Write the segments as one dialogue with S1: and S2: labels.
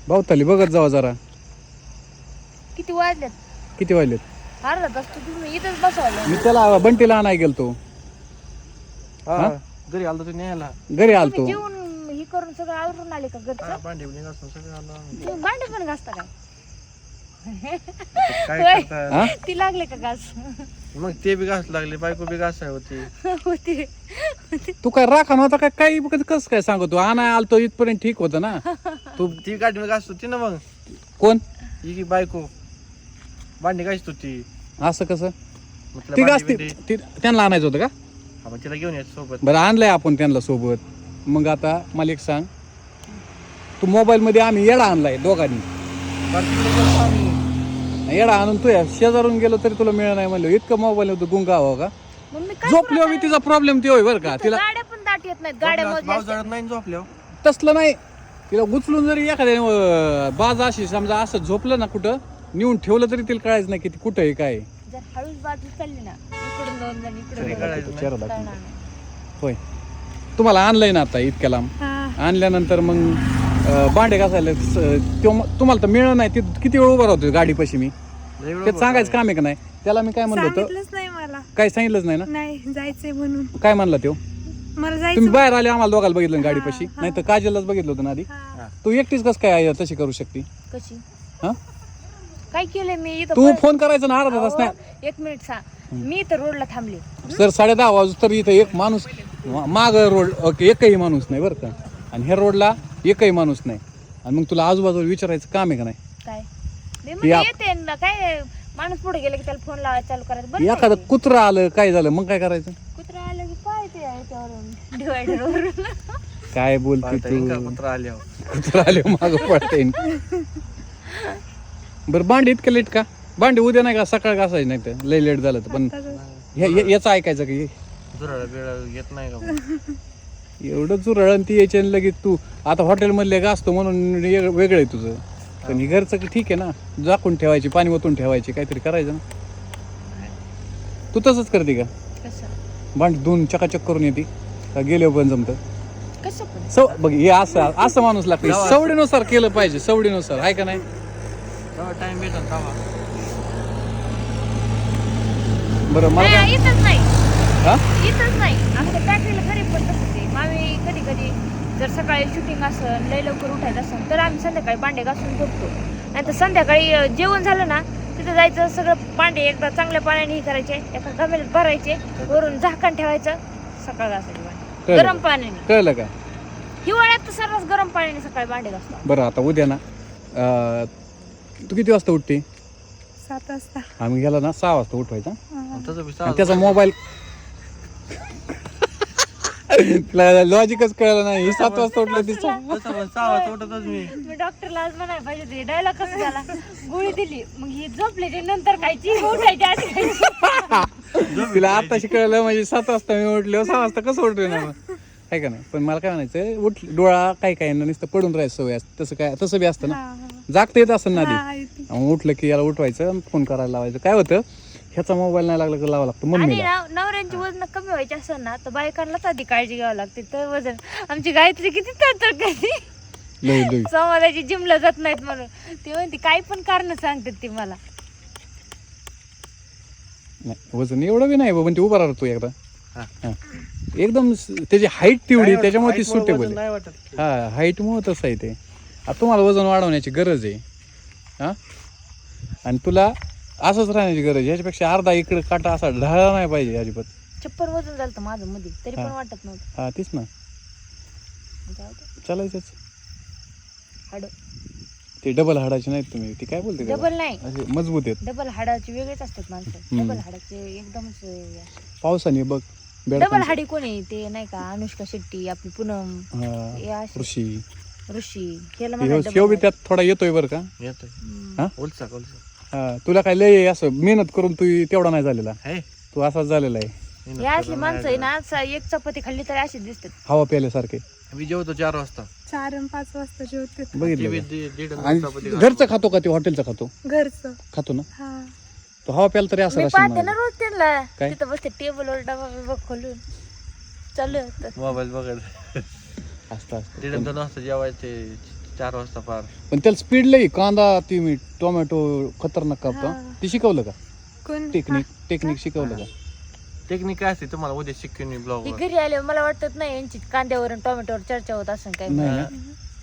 S1: भावताली बघत जावा जरा.
S2: किती वाजल्यात?
S1: किती वाजलेत?
S2: अर्धा तास तुम्ही इथंच बसवलं.
S1: मी त्याला बंटीला आणाय गेलतो.
S3: हा घरी आलो तू न्यायला.
S1: घरी आलतो.
S2: जेवून हे करून सगळं आवरून आले का घरचं?
S3: भांडे बिंडे घासून सगळं आलो आम्ही.
S2: तुम्ही भांडे पण घासता काय?
S3: काय करता
S1: हा?
S2: ती लागले का घास?
S3: मग ते बी घास लागले बायको बी घासाय होती.
S2: होती.
S1: तू काय राखा नव्हता काय काही कसं काय सांगतो आणाय आलतो इथपर्यंत ठीक होतं ना.
S3: तू ती गाडी मी घासत होती ना मग.
S1: कोण
S3: ही की बायको भांडी घासत होती.
S1: असं कसं?
S3: मग तिला
S1: ती
S3: भांडी
S1: गाजते
S3: बिंडी-
S1: त्यांना आणायचं होतं का?
S3: हा, मग तिला घेऊन यायचं सोबत.
S1: बरं आणलंय आपण त्यांना सोबत. मग आता मला एक सांग, तू मोबाईल मध्ये आम्ही येडा आणलाय दोघांनी.
S3: बरं, तिकडे गेलो आम्ही.
S1: येडा आणून तू शेजारून गेलो तरी तुला मिळणार नाही म्हणलं. इतकं मोबाईल होतं गुंगा हवं का?
S2: मग मी काय
S1: झोपलो मी तिचा प्रॉब्लेम ते होय बरं का. तिला
S2: गाड्या पण दाट येत नाहीत. गाड्या
S3: भाव
S2: मोजल्या
S3: जळत नाही झोपल्यावर.
S1: तसलं नाही. तिला उचलून जरी एखाद्या बाज अशी समजा असं झोपलं ना कुठं नेऊन ठेवलं तरी तिला कळायचं नाही किती कुठं आहे काय आहे.
S2: जर हळूच बाजू चालली ना इकडून दोन जण इकडून
S3: तरी
S2: दोन जण.
S3: कळायचं
S1: चेहरा
S3: नाही.
S1: दाखवून.
S2: कळणार नाही.
S1: होय तुम्हाला आणलंय ना आता इतक्या लांब. आणल्यानंतर मग भांडे घासायला तुम्हाला तर मिळणार नाही. ते किती वेळ उभा राहतो गाडीपाशी मी.
S3: लय वेळ
S1: ते सांगायचं काम आहे का नाही. त्याला मी काय म्हणलं होतं,
S4: सांगितलंच नाही मला.
S1: काही सांगितलंच नाही ना.
S4: नाही जायचंय म्हणून.
S1: काय म्हणला तो?
S4: मला
S1: तुम्ही
S4: जायचं.
S1: बाहेर आले आम्हाला दोघाला बघितलं ना गाडीपाशी. नाही तर काजललाच बघितलं होतं ना आधी.
S4: हा.
S1: तू एकटीच कसं काय आहे तशी करू शकते?
S2: कशी
S1: हा
S2: काय केलंय मी इथं
S1: तू
S2: पण-
S1: फोन करायचा ना अर्धा तास नाही.
S2: अहो, एक मिनिट सांग. मी इथं रोडला थांबले.
S1: सर 10:30 वाजू तर इथं एक माणूस माग रोड ओके एकही माणूस नाही बरं का. आणि ह्या रोडला एकही माणूस नाही. आणि मग तुला आजूबाजूला विचारायचं काम आहे का नाही?
S2: काय मी म्हणजे येते ना, काय माणूस पुढे गेला की त्याला फोन लावायला चालू करायचं. बरं
S1: एखादं कुत्रं आलं काय झालं मग काय करायचं?
S2: कुत्रा आलं की काय ते याच्यावरून डिवायडर वरून.
S1: काय बोलते
S3: पाहता येईल का
S1: तू?
S3: कुत्रं आल्यावर?
S1: कुत्रं आले माग पडते. बरं भांडी इतकं लेट का? भांडी उद्या नाही का सकाळ घासायची नाही तर लय लेट झालं तर. पण याचं ऐकायचं की
S3: झुरळ बिरळ येत नाही का?
S1: एवढं चुरळण ती यायची आणि लगेच तू आता हॉटेलमधले घासतो म्हणून वेगळं आहे तुझं. पण हे घरचं की ठीक आहे ना. झाकून ठेवायची, पाणी ओतून ठेवायची, काहीतरी करायचं ना. तू तसंच करते का?
S2: कसं
S1: भांडी धुवून चकाचक करून येते का गेले पण जमतं?
S2: कसं पण
S1: बघ हे असं असं माणूस लागतं. सवडीनुसार केलं पाहिजे, सवडीनुसार आहे का नाही?
S3: तेव्हा टाइम भेटल तेव्हा.
S1: बरं मला काय
S2: नाही, इथंच नाही.
S1: हा
S2: इथंच नाही. आमच्या फॅक्टरीला घरी पण तसंच आहे. आम्ही कधी कधी जर सकाळी शूटिंग असेल, लय लवकर उठायचं असेल तर आम्ही संध्याकाळी भांडे घासून झोपतो. नाही तर संध्याकाळी जेवण झालं ना तिथं जायचं, सगळं भांडे एकदा चांगल्या पाण्याने हे करायचे, एका गमेल्यात भरायचे, वरून झाकण ठेवायचं, सकाळ घासायचे भांडे
S1: कळलं.
S2: गरम पाण्याने.
S1: कळलं का?
S2: हिवाळ्यात तर सर्वच गरम पाण्याने सकाळी भांडे घासतो.
S1: बरं आता उद्या ना तू किती वाजता उठते?
S4: 7 वाजता.
S1: आम्ही गेला ना 6 वाजता उठवायचा.
S3: आणि तसं बी
S1: आणि त्याचा मोबाईल लॉजिकच कळलं नाही. ही 7 वाजता उठलं तिचा.
S3: तसं पण 6 वाजता उठतच मी.
S2: मी डॉक्टरला आज म्हणायला पाहिजे ते डायलॉग कसं झाला. गोळी दिली मग ही झोपले ते नंतर खायची, उठायची आधी खायची.
S1: तिला आताशी कळलं म्हणजे 7 वाजता मी उठले 6 वाजता कसं उठले ना मग काय का नाही. पण मला काय म्हणायचं उठ डोळा काय काय ना नुसतं पडून राहायचं सवय असते. तसं काय तसं बी असतं ना. जागता येत असं ना आधी. मग उठलं की याला उठवायचं, फोन करायला लावायचं. काय होतं ह्याचा मोबाईल नाही लागला की लावा लागतो
S2: आणि
S1: मम्मीला.
S2: नवऱ्यांची वजन कमी व्हायची असेल ना तर बायकांनाच आधी काळजी घ्यावी लागते. तर वजन आमची गायत्री किती तर कधी
S1: लई लई
S2: समाजाची जिमला जात नाहीत म्हणून ती म्हणते काही पण कारण सांगतात ती मला.
S1: नाही वजन एवढं बी नाही पण ते उभा राहतो एकदा.
S3: हा.
S1: हा. एकदम त्याची हाईट तेवढी त्याच्यामुळे ती
S3: height मुळे
S1: सुटेबल
S3: वजन
S1: आहे.
S3: नाही वाटत.
S1: हा हाईटमुळे तसं आहे ते. आता तुम्हाला वजन वाढवण्याची गरज आहे. हा आणि तुला असंच राहण्याची गरज आहे. याच्यापेक्षा अर्धा इकडे काटा असा ढाळला नाही पाहिजे अजिबात.
S2: 56 वजन झालं होतं माझं मध्ये तरी पण
S1: हा.
S2: वाटत नव्हतं.
S1: हा तीच ना चालायचंच.
S2: हाड
S1: ते डबल हाडाचे नाहीत तुम्ही. ती काय बोलते त्याला?
S2: डबल नाही,
S1: असे मजबूत आहेत.
S2: डबल हाडाचे वेगळेच असतात माणसं. डबल हाडाचे एकदमच
S1: पावसाने बघ
S2: डबल
S1: बेडकांचं.
S2: हाडी कोणी ते नाही का अनुष्का शेट्टी, आपली पूनम,
S1: हा,
S2: हे असे
S1: ऋषी
S2: ऋषी केलं
S1: ह्यो बी त्यात थोडा येतोय बरं का.
S3: येतोय.
S1: हा?
S3: उलसा
S1: हा तुला काय लय असं मेहनत करून तू तेवढा नाही झालेला.
S3: हे
S1: तू असाच झालेला आहे.
S2: हे असली माणसं आहे ना एक चपाती खाल्ली तरी अशी दिसतात.
S1: हवा प्यायल्यासारखे.
S3: मी जेवतो 4 वाजता.
S4: 4 आणि 5 वाजता जेवते.
S3: ते
S1: बघितलं
S3: बी
S1: का?
S3: दीड
S1: आणि
S3: चपाती
S1: घरचं खातो का ते हॉटेलचं खातो?
S4: घरचं.
S1: खातो ना.
S4: हा.
S1: तो हवा प्यायला तरी असं
S2: मी
S1: असेल
S2: पाहते
S1: मला.
S2: ना रोज त्यांना
S1: काय?
S2: तिथं बसते टेबलवर डबा बिबा खोलून चालू होतं.
S3: मोबाईल बघत
S1: असतं असतं.
S3: दीड 2 वाजता जेवायचे 4 वाजता पार.
S1: पण त्याला स्पीड लई कांदा ती टोमॅटो खतरनाक कापतो
S4: हा.
S1: ती शिकवलं का
S4: कोण
S1: टेक्निक शिकवलं का
S3: टेक्निक काय असते तुम्हाला उद्या शिकून मी ब्लॉग
S2: ती घरी आले मला वाटत नाही यांची कांद्यावर आणि टोमॅटोवर चर्चा होत असं काय
S1: नाही ना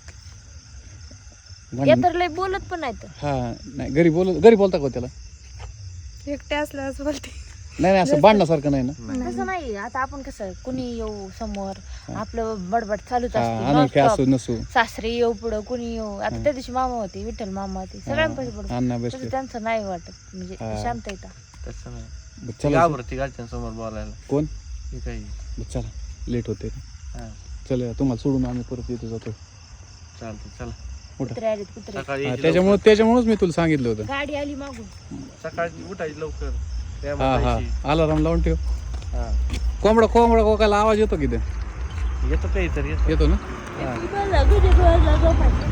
S2: या तर लय बोलत पण नाही तर
S1: हा नाही घरी बोलता का हो त्याला
S4: एकटे असल्यास बोलते
S1: नाही असं भांडण्यासारखं नाही ना
S2: तसं नाही आता आपण कसं कुणी येऊ समोर आपलं बडबड चालूच
S1: हा
S2: असते
S1: अनोळखी
S2: non-stop.
S1: असू नसू
S2: सासरे येऊ पुढं कुणी येऊ आता त्या दिवशी मामा होते विठ्ठल मामा होते सगळ्यांपाशी पडतो
S1: अण्णा
S2: तसं
S1: बसले
S2: त्यांचं नाही वाटत म्हणजे
S1: हा.
S2: शांत येतात
S3: तसं नाही
S1: चला
S3: घाबरती घरच्यांसमोर बोलायला
S1: कोण
S3: हे काही
S1: चला लेट होते
S3: हा
S1: चल तुम्हाला सोडून आम्ही परत येतो जातो
S3: चालतं चला
S2: कुत्रे आलेत कुत्रे
S3: सकाळी
S1: हा,
S3: यायची लवकर.
S1: त्याच्यामुळेच मी तुला सांगितलं होतं
S2: गाडी आली मागून
S3: सकाळी उठायची लवकर त्या
S1: हा हा
S3: जायची.
S1: अलाराम लावून ठेव
S3: हा
S1: कोंबडा कोकायला आवाज येतो की ते
S3: येतो काहीतरी येतो
S1: येतो ना
S3: हा.
S2: झोपायचं